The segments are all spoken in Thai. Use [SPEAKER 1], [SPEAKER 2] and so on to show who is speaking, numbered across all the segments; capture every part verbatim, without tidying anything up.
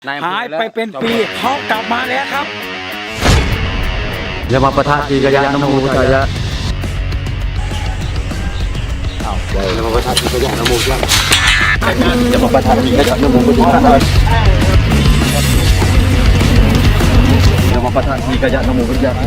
[SPEAKER 1] หายไปเป็นปีเขากลับมาแล้วครับ
[SPEAKER 2] อย่ามาปะทะทีกะยะนโมพุทธายะอย่ามาปะทะทีกะยะนโมพุทธายะอย่ามาปะทะทีกะยะนโมพุทธายะอย่ามาปะทะทีกะยะนโมพุทธายะ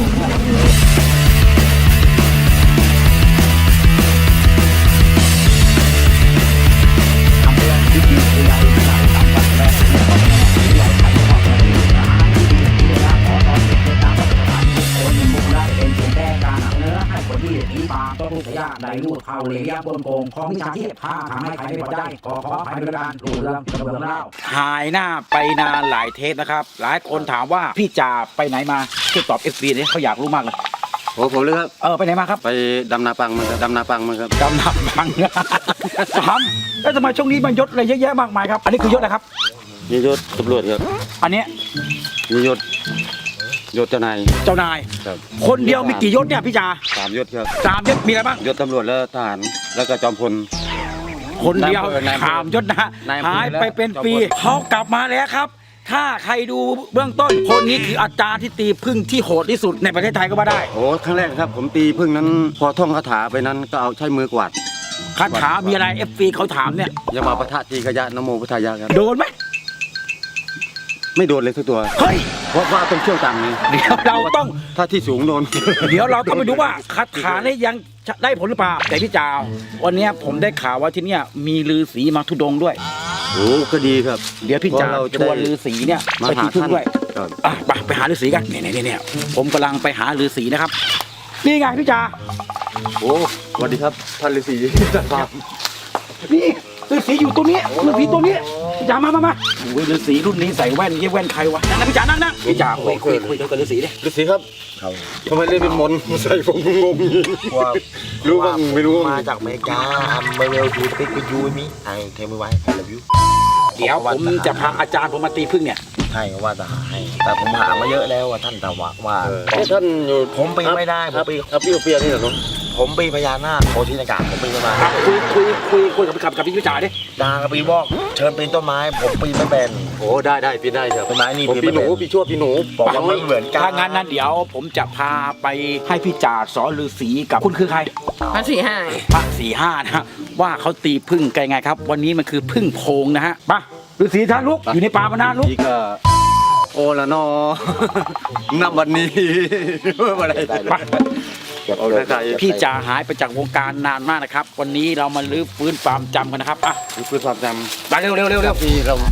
[SPEAKER 1] ต้นทุกยากใดรูดเข้าเลยยาบนโกงของมิจฉาชีพถ้าทำให้ใครไม่พอใจขอขอภัยบริการรูเรื่องกระเบื้องเล่าหายหน้าไปนานหลายเทปนะครับหลายคนถามว่าพี่จ่าไปไหนมาช่วยตอบเอฟซีเนี่ยเขาอยากรู้มากเลย
[SPEAKER 2] โอ้ผมเลยครับ
[SPEAKER 1] เออไปไหนมาครับ
[SPEAKER 2] ไปดำนาปังมาครับดำนาปังมาครับ
[SPEAKER 1] ดำนาปังถามแล้วทำไมช่วงนี้มันยศอะไรเยอะแยะมากมายครับอันนี้คือยศอะไรครับ
[SPEAKER 2] นี่ยศตำรวจครับ
[SPEAKER 1] อันนี้
[SPEAKER 2] นี่ยศยศเจ้านาย
[SPEAKER 1] เจ้านายคนเดียวมีกี่ยศเนี่ยพี่จ่า
[SPEAKER 2] สามยศครับ
[SPEAKER 1] สามยศมีอะไรบ้าง
[SPEAKER 2] ยศตำรวจแล้วทหารแล้วก็จอมพล
[SPEAKER 1] คนเดียวสามยศนะหายไปเป็นปีเขากลับมาแล้วครับถ้าใครดูเบื้องต้นคนนี้คืออาจารย์ที่ตีพึ่งที่โหดที่สุดในประเทศไทยก็ว่าได้
[SPEAKER 2] โอ้ครั้งแรกครับผมตีพึ่งนั้นพอท่องคาถาไปนั้นก็เอาใช้มือกวาด
[SPEAKER 1] คาถามีอะไรเอฟซีเขาถามเนี่ย
[SPEAKER 2] อย่ามาปะทะทีกะยะนโมพุทธายะครับ
[SPEAKER 1] โดนไหม
[SPEAKER 2] ไม่โดนเลยทุกตัว
[SPEAKER 1] เฮ้ย
[SPEAKER 2] เพราะว่าต้องเชี่ยวต่ำไง
[SPEAKER 1] เดี๋ยวเราต้อง
[SPEAKER 2] ถ้าที่สูงโดน
[SPEAKER 1] เดี๋ยวเราต้องไปดูว่าคาถาเนี่ยยังได้ผลหรือเปล่าแต่พี่จ่าวันนี้ผมได้ข่าวว่าที่นี่มีฤาษีมาทุดงด้วย
[SPEAKER 2] โอ้ก็ดีครับ
[SPEAKER 1] เดี๋ยวพี่จ่าชวนฤาษีเนี่ยไปที่พึ่งด้วยอ่ะไปไปหาฤาษีกันเนี่ยเนี่ยเนี่ยผมกำลังไปหาฤาษีนะครับนี่ไงพี่จ่า
[SPEAKER 2] โอ้สวัสดีครับท่านฤาษีครับ
[SPEAKER 1] นี่ฤาษีอยู่ตัวนี้ฤาษีตัวนี้พี่จ่ามามามาโอ้ยฤาษีรุ่นนี้ใส่แว่นเยี่ยแว่นใครวะนั่งพี่จ่านั่งนั่งพี่จ่าคุยคุยคุยกับฤาษีดิ
[SPEAKER 2] ฤาษีครับทำไมเล่นเป็นมนใส่ผมงงว่ารู้บ้างไม่รู้
[SPEAKER 3] มาจากอเมริกาเมเวลยูติกยูมิไอเทมไว้ไอเลวิว
[SPEAKER 1] เดี๋ยวผมจะพาอาจารย์ผมมาตีพึ่งเนี่ย
[SPEAKER 3] ใช่ว่าจะหาให้แต่ผมหามาเยอะแล้วว่าท่านแต่ว่าว่า
[SPEAKER 2] ท่านอยู่
[SPEAKER 3] ผมปีไม่ได้ผมปี
[SPEAKER 2] ครับพี่เปียนี่เหรอ
[SPEAKER 3] ผมปีพญานาคโคชินากาผมปีไม่มา
[SPEAKER 1] คุยคุยคุยคุยกับกับกับพี่จ่าดิ
[SPEAKER 3] ดากับปีวอกเชิญปีนต้นไม้ผมปีไม่เป็น
[SPEAKER 2] โอ้ได้ได้ปีได้ครับ
[SPEAKER 3] ต้นไม้นี่
[SPEAKER 2] ปีหนูปีชั่วปีหนู
[SPEAKER 3] บอกว่าไม่เหมือนกัน
[SPEAKER 1] ถ้างั้นนั้นเดี๋ยวผมจะพาไปให้พี่จ่าสอนฤาษีกับคุณคือใคร
[SPEAKER 4] พระสี่ห้า
[SPEAKER 1] พระสี่ห้านะว่าเขาตีพึ่งกันไงครับวันนี้มันคือพึ่งโพงนะฮะป่ะฤาษีท่านลุกอยู่ในป่ามานานลุก
[SPEAKER 2] โอละนอนับวันนี้อะไรป่ะ
[SPEAKER 1] พี่จ่าหายไปจากวงการนานมากนะครับวันนี้เรามาลื้อฟื้นความจำกันนะครับอ่ะ
[SPEAKER 2] ลื้อฟื้นความจ
[SPEAKER 1] ำไปเร็วเร็วเร็วเร็ว
[SPEAKER 2] พี่เรา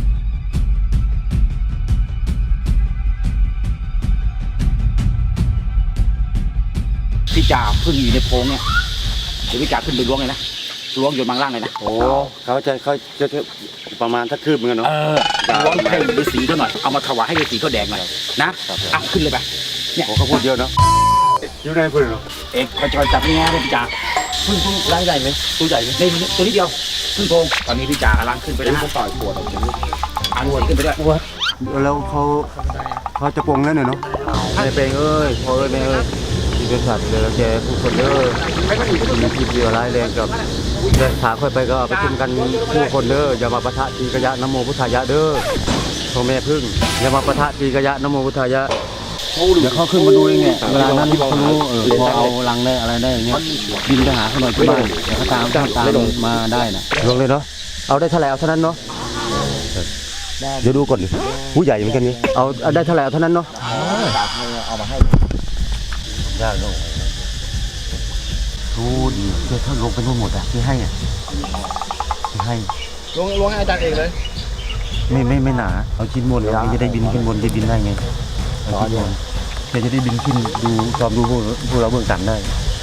[SPEAKER 1] พี่จ่าพึ่งอยู่ในโพงเนี่ยเดี๋ยวพี่จ่าขึ้นไปล้วงเลยนะล้วงอยู่บางล่างเลยนะ
[SPEAKER 2] โอ้เขาจะเขาจะประมาณถ้าคืบเหมือนกันเนาะ
[SPEAKER 1] เออล้วงให้ฤาษีเขาหน่อยเอามาถวายให้ฤาษีเขาแดงหน่อยนะอ่ะขึ้นเลยไป
[SPEAKER 2] เนี่ยเขาพูดเยอะเนาะอยู่ในพึ่งเนาะ
[SPEAKER 1] เอกไปจอยจับนี่ไงพี่จ่าพึ่งพึ่งร่างใหญ่ไหมตัวใหญ่ไหมในตัวนี้เดียวพึ่งโพงตอนนี้พี่จ่ากำลังขึ้นไปแล้วต่อยปวดอันวนขึ้นไปด้วย
[SPEAKER 2] แล้วเขาเขาจะปงแล้วเนาะในเพลงเอ้ยพอเอ้ยแม่เอ้ยที่เป็นสัตว์เลยแล้วแกผู้คนเด้อมีพิษเยอะร้ายแรงกับเดินขาค่อยไปก็ไปขึ้นกันผู้คนเด้ออย่ามาปะทะทีกะยะนโมพุทธายะเด้อพ่อแม่พึ่งอย่ามาปะทะทีกะยะนโมพุทธายะ
[SPEAKER 5] เดี๋ยวเขาขึ้นมาดูเองเนี่ยเวลานั้นเขารู้เออพอเอาลังได้อะไรได้อย่างเงี้ยบินไปหาเขาหน่อยที่บ้านเดี๋ยวเขาตามตามตามมาได้นะ
[SPEAKER 2] ลงเลยเนาะเอาได้เท่าไหร่เอาเท่านั้นเนาะเดี๋ยวดูก่อนผู้ใหญ่เหมือนกันนี่เอาได้เท่าไหร่เอาเท่านั้นเนาะ
[SPEAKER 3] เอามาให้
[SPEAKER 2] ยากลงดูดิเดี๋ยวถ้าลงไปนู่นหมดอ่ะที่ให้อ่ะที่ให้
[SPEAKER 3] ลงลงให้อาจารย์เองเลย
[SPEAKER 2] ไม่ไม่ไม่หนาเอาชิ้นบนเราจะได้บินขึ้นบนจะบินได้ไงเอาชิ้นบนจะจะได้บินขึ้นดูจอมดูพวกพวกเราเบื้องต่ำได้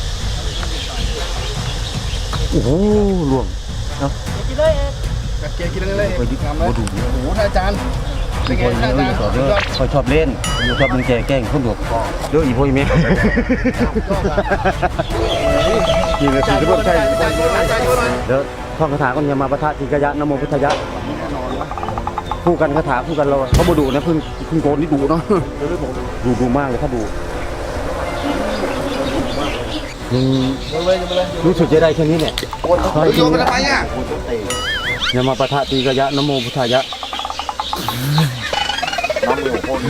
[SPEAKER 2] โอ้โหล่วงเนาะ
[SPEAKER 3] กินเลยกัดเกียร์กินเลย
[SPEAKER 2] ไปดิบโอ้ดู
[SPEAKER 3] โอ้โหอาจารย์
[SPEAKER 2] เป็นไงอาจารย์คอยชอบเล่นชอบมึงแก่แกล้งคนดุเด้ออีพ่ออีเมย์นี่เลยคือเรื่องใช่เดี๋ยวท่องคาถาก็อย่ามาปะทะทีกะยะนโมพุทธายะคู่กันคาถาคู่กันเราเขาบ่ดุนะพึ่งพึ่งโกนนี่ดุเนาะดุดุมากเลยถ้าดุรู้สึกจะได้แค่นี้เนี่ย
[SPEAKER 3] โยนไปทำไมอ่ะ
[SPEAKER 2] อย่ามาปะทะทีกะยะนโมพุทธายะ
[SPEAKER 3] น้ำมือโคตร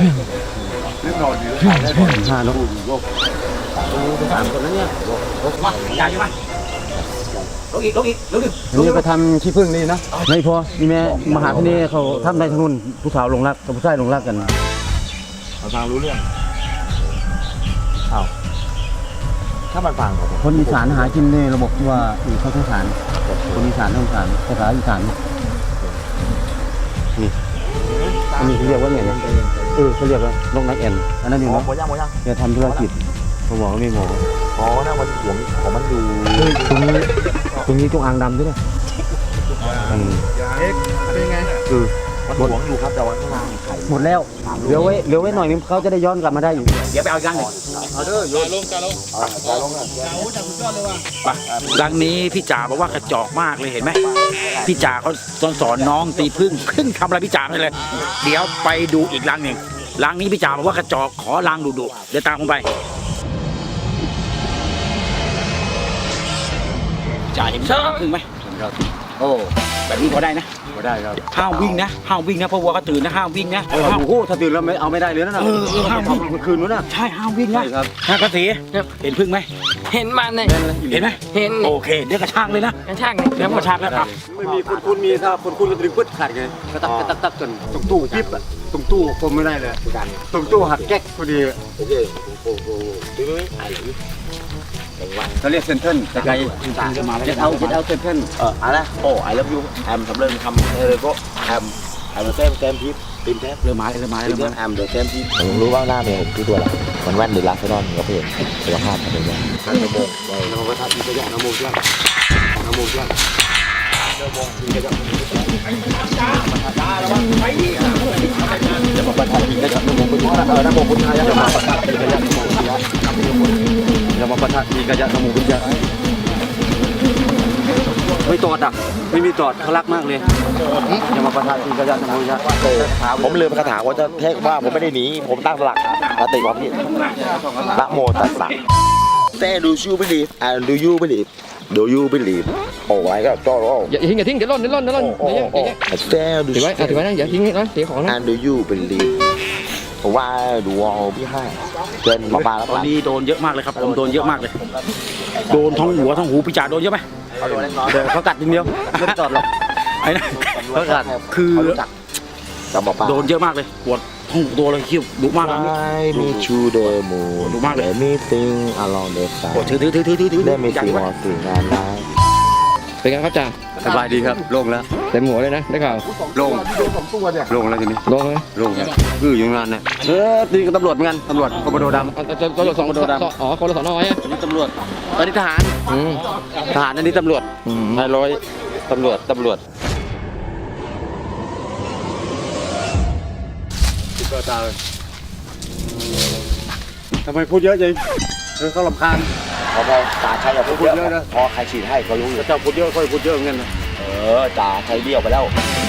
[SPEAKER 5] ห้าเนาะ
[SPEAKER 1] สามคนแล้วเนี่ยมาใหญ่ใช่ไหมลงอีกลงอีกลงอีก
[SPEAKER 5] อันนี้ไปทำขี้ผึ้งนี่นะไม่พอนี่แม่มหาพินีเขาทำในทางนู้นผู้สาวลงรักกับผู้ชายลงรักกัน
[SPEAKER 3] เราฟังรู้เรื่องอ้าวถ้ามันฟังผม
[SPEAKER 5] คนอีสานหากินในระบบที่ว่าอือเขาสงสารคนอีสานสงสารภาษาอีสานนี่อันนี้เขาเรียกว่าไงเนี่ยเออเขาเรียกว่าลงนักแอนอันนั้นนี่
[SPEAKER 3] หมอ
[SPEAKER 5] เนาะ
[SPEAKER 3] หมอยังหมอยัง
[SPEAKER 5] แกทำธุรกิจผมบอกว่าไม่หมอ
[SPEAKER 3] อ๋อนะมันหัวของมันอยู่
[SPEAKER 5] เฮ้ยตรงนี้ตรงนี้จงอางดำด้วยนะอืม
[SPEAKER 3] เป็นไง
[SPEAKER 5] เออ
[SPEAKER 3] มันหวงอยู่ครับแต่ว่าข้างล่างไข่
[SPEAKER 5] หมดแล้วเหลือไว้เหลือไว้หน่อยนึงเขาจะได้ย้อนกลับมาได้อยู่
[SPEAKER 1] เดี๋ยวไปเอาอีกรังหนึ่ง
[SPEAKER 3] เอาเด้อโยนลงกันลงจะลงอ่ะ
[SPEAKER 1] ไปรังนี้พี่จ๋าบอกว่ากระจอกมากเลยเห็นไหมพี่จ๋าเขาสอนสอนน้องตีพึ่งพึ่งทำอะไรพี่จ๋าไม่เลย เดี๋ยวไปดูอีกรังหนึ่งรังนี้พี่จ๋าบอกว่ากระจอกขอรังดุดุเดี๋ยวตามผมไปจ่าเห็นพึ่งไหมโอ้แบบนี้พอได้นะ
[SPEAKER 5] ก็ได้ครับ
[SPEAKER 1] ห้ามวิ่งนะห้ามวิ่งนะเพราะวัวก็ตื่นนะห้ามวิ่งนะ
[SPEAKER 5] เออโอ้โหถ้าตื่นแล้วไม่เอาไม่ได้เลยนะน่ะ
[SPEAKER 1] เออเออห้ามวิ่ง
[SPEAKER 5] เมื่อคืนนู้นน่ะ
[SPEAKER 1] ใช่ห้ามวิ่งนะ
[SPEAKER 5] ใช่ครับ
[SPEAKER 1] ฮะกระสีเห็นพึ่งไหม
[SPEAKER 4] เห็นมันเลย
[SPEAKER 1] เห็นไหม
[SPEAKER 4] เห็น
[SPEAKER 1] โอเคเดี๋ยวกระชากเลยนะ
[SPEAKER 4] กระชากเลย
[SPEAKER 1] เดี๋ยวกระชากแล้วครับ
[SPEAKER 5] ไม่มีคนคุณมีถ้าคนคุณก็ดึงปึ๊ดขาดไงกระตักกระตักตักจนตรงตู้ปิ๊บอะตรงตู้คมไม่ได้เลยตรงตู้หักแก๊กพอดี
[SPEAKER 3] โอเคโอ้โหดูไหมไอ้หรือ
[SPEAKER 5] เขาเรียกเซนเทิลแต่ไกลจะเอาจะเอาเซนเทิล
[SPEAKER 3] เอออะไรโอ้ไอ้เลิฟยูแอมทำเรื่องทำเออก็แอมแอมเต็มเต็มทิพย์ตีมแทบ
[SPEAKER 1] เริ่มมาเลยเริ่มมาเลย
[SPEAKER 3] ตีม
[SPEAKER 1] เริ่ม
[SPEAKER 3] แท
[SPEAKER 1] มา
[SPEAKER 3] บแอมเดอะเต็มทิพย์ผมรู้ว่าหน้าเมย์ผมคือตัวอะไรมันแว่นหรือลาเซนอนก็เพื่อนสุขภาพเป็นยังไงนโม
[SPEAKER 5] นโมทัศน์ที่จะยะนโมเจ้านโมเจ้า
[SPEAKER 3] จะมาประทานอีกนะครับนโมพุทธะเออนโมพุทธะจะมาประทานอีกนะครับนโมพุทธะ
[SPEAKER 5] จะมาประทัดมีกระยะนโมพุทธะไม่ตอดอ่ะไม่มีตอดเขารักมากเลยจะมาประทัดมีกระยะนโมพุทธะ
[SPEAKER 3] ผมลืมคาถาว่าจะเทศว่าผมไม่ได้หนีผมตั้งหลักสติความผิดนะโมตัสสะแต่ดูชูบิลีฟ and do you believe do you believe โอ้ยก็จ่อร้อง
[SPEAKER 4] อย่าทิ้งอย่าทิ้งเดี๋ยวล่นเดี๋ยวล่นเดี๋ยวล่น
[SPEAKER 3] โอ้
[SPEAKER 4] เดี๋ยว
[SPEAKER 3] โอ้
[SPEAKER 4] เดี๋ยว
[SPEAKER 3] แต่ดู
[SPEAKER 4] ถือไว้ถือไว้นะอย่าทิ้งนะเสียของนะ
[SPEAKER 3] and do you believe ผมว่าดูวอลพี่ให้เกินมาปลาแล้ว
[SPEAKER 1] ตอนนี้โดนเยอะมากเลยครับผมโดนเยอะมากเลย โดนทั้งหัวทั้งหูพี่จ๋าโดนเยอะไหม
[SPEAKER 3] เขาโดนเล็กน้อย
[SPEAKER 5] เดี๋ยวเขากัดทีเดียวไม่ตอดหรอก
[SPEAKER 1] ไอ้นั่น
[SPEAKER 5] เขากัด
[SPEAKER 1] คือ
[SPEAKER 3] เขารู้จักกับหมอปลา
[SPEAKER 1] โดนเยอะมากเลยปวดทั้งตัวเลยคิ้วดุมากเลย
[SPEAKER 3] I meet you the moon
[SPEAKER 1] ดูมากเลย
[SPEAKER 3] Let me think along the
[SPEAKER 1] โอ้
[SPEAKER 3] side
[SPEAKER 1] ถือถือถือถือถือถือ
[SPEAKER 3] Let me
[SPEAKER 1] ใหญ่
[SPEAKER 3] see
[SPEAKER 1] มาก
[SPEAKER 3] more thing and night
[SPEAKER 4] เป็นไงครับจ่า
[SPEAKER 5] สบายดีครับโล่งแล้ว
[SPEAKER 4] เต็มหัวเลยนะได้ข่าว
[SPEAKER 5] โล่งโล่งแล้วทีนี้
[SPEAKER 4] ลงเลย
[SPEAKER 5] โล่งแล้วคืออยู่งานเนี่ยเออตีกับตำรวจเหมือนกันตำรวจคอมโบโดดำ
[SPEAKER 4] เอาจะจะจะสองอ๋อคนละสองน้อยอ่ะ
[SPEAKER 5] อันนี้ตำรวจอันนี้ทหาร
[SPEAKER 4] อืม
[SPEAKER 5] ทหารอันนี้ตำรวจ
[SPEAKER 4] อืม
[SPEAKER 5] นายร้อยตำรวจตำรวจติดต่อตาเลยทำไมพูดเยอะจังเออเขาลำคาญ
[SPEAKER 3] พอพอจ่าชัยอย่าพูดเย
[SPEAKER 5] พูดเยอะ
[SPEAKER 3] อะ
[SPEAKER 5] นะ
[SPEAKER 3] พอใครฉีดให้ก็รู้อยู่
[SPEAKER 5] เจ้าพูดเยอะค่อยพูดเยอะเหมือนกันนะ
[SPEAKER 3] เออจ่าชัยเบี้ยวไปแล้ว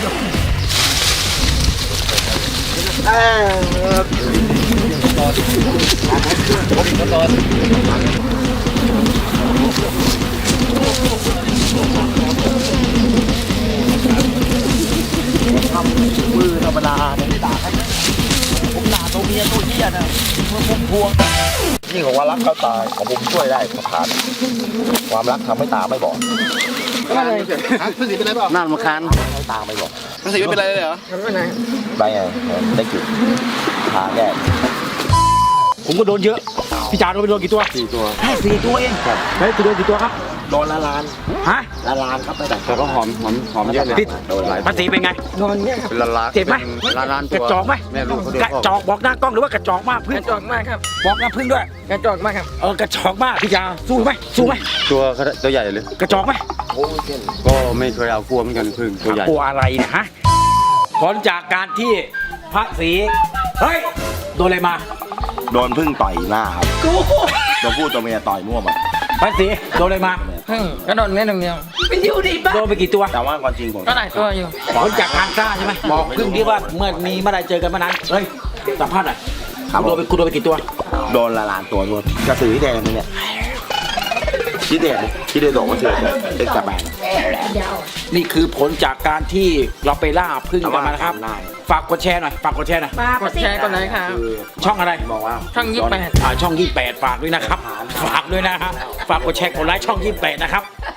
[SPEAKER 3] มือธรรมดาเนี่ยไม่ด่าใครผมด่าตัวเมียตัวเหี้ยนะเมื่อผมพวงยิ่งของว่ารักเขาตายของผมช่วยได้สถานความรักทำให้ตาไม่บอก
[SPEAKER 4] อะไร
[SPEAKER 5] น่ารำคาญ
[SPEAKER 3] ให้ตาไม่บอก
[SPEAKER 4] มันสีไม่เป็นไรเลยเหรอไม่เป็นไร
[SPEAKER 3] ไปไงได้จุดหาแก้
[SPEAKER 1] ผมก็โดนเยอะ พี่จ๋าโดนไปโดนกี่ตัว
[SPEAKER 5] สี่ตัว
[SPEAKER 1] แค่สี่ตัวเองเฮ้ยคุณโดนกี่ตัวครับ
[SPEAKER 3] โดนละลาน
[SPEAKER 1] ฮะ
[SPEAKER 3] ละลานครับไม่แต่
[SPEAKER 5] แต่ก็หอมหอมหอมเยอะเลย
[SPEAKER 1] พี่
[SPEAKER 3] โดนหลาย
[SPEAKER 1] ภาษีเป็นไง
[SPEAKER 4] นอนเนี่ยครับ
[SPEAKER 5] เป็นล้านล้าน
[SPEAKER 1] เจ็บไหม
[SPEAKER 5] ล้านล้าน
[SPEAKER 1] กระจอกไหม
[SPEAKER 5] แม่ลูกเขาโดน
[SPEAKER 1] กระจอกบอกหน้ากล้องหรือว่ากระจอกมาก
[SPEAKER 4] ก
[SPEAKER 1] พึ่ง
[SPEAKER 4] ระจอกมากครับ
[SPEAKER 1] บอกหน้าพึ่งด้วย
[SPEAKER 4] กระจอกมากครับ
[SPEAKER 1] เออกระจอกมากพี่จ๋าสู้ไหมสู้ไหม
[SPEAKER 5] ตัวเขาตัวใหญ่เลย
[SPEAKER 1] กระจอกไหม
[SPEAKER 3] โอ้ยเช่น
[SPEAKER 5] ก็ไม่เคยเอากลัวเหมือนกันพึ่งตัวใหญ่
[SPEAKER 1] กลัวอะไรนะฮะผลจากการที่พระศรีเฮ้ยโดนอะไรมา
[SPEAKER 3] โดนพึ่งต่อยหน้าครับ
[SPEAKER 1] กู
[SPEAKER 3] โดนพูดตัวเมียต่อยมั่วหมด
[SPEAKER 1] พระศรีโดนอะไรมา
[SPEAKER 4] เพิ่งกระโดดเนี่ยหนึ่งเดียวเป็นอยู่ดีป่ะ
[SPEAKER 1] โดนไปกี่ตัว
[SPEAKER 3] แต่ว่าความจริงผม
[SPEAKER 4] ก็หลายตัวอยู่
[SPEAKER 1] ผลจากการกล้าใช่ไหมบอกพึ่งที่ว่าเมื่อมีเมื่อไรเจอกันเมื่อนั้นเฮ้ยสัมภาษณ์หน่อยคุณโดนไปคุณโดนไปกี่ตัว
[SPEAKER 3] โดนละลานตัวโดนกระสือแดงเนี่ยที่เด็ดที่เด็ดบอกว่าเธอเด็กกระแบง
[SPEAKER 1] นี่คือผลจากการที่เราไปล่าพึ่งกันมานะครับ ฝากกดแชร์หน่อยฝากกดแชร์หน่อย
[SPEAKER 4] กดแชร์กดไลค์ครับ
[SPEAKER 1] ช่องอะไร
[SPEAKER 3] บอกว่า
[SPEAKER 4] ช่องยี่สิบแปด
[SPEAKER 1] อ่าช่องยี่สิบแปดฝากด้วยนะครับ ฝากด้วยนะฮะฝากกดแชร์กดไลค์ช่องยี่สิบแปดนะครับ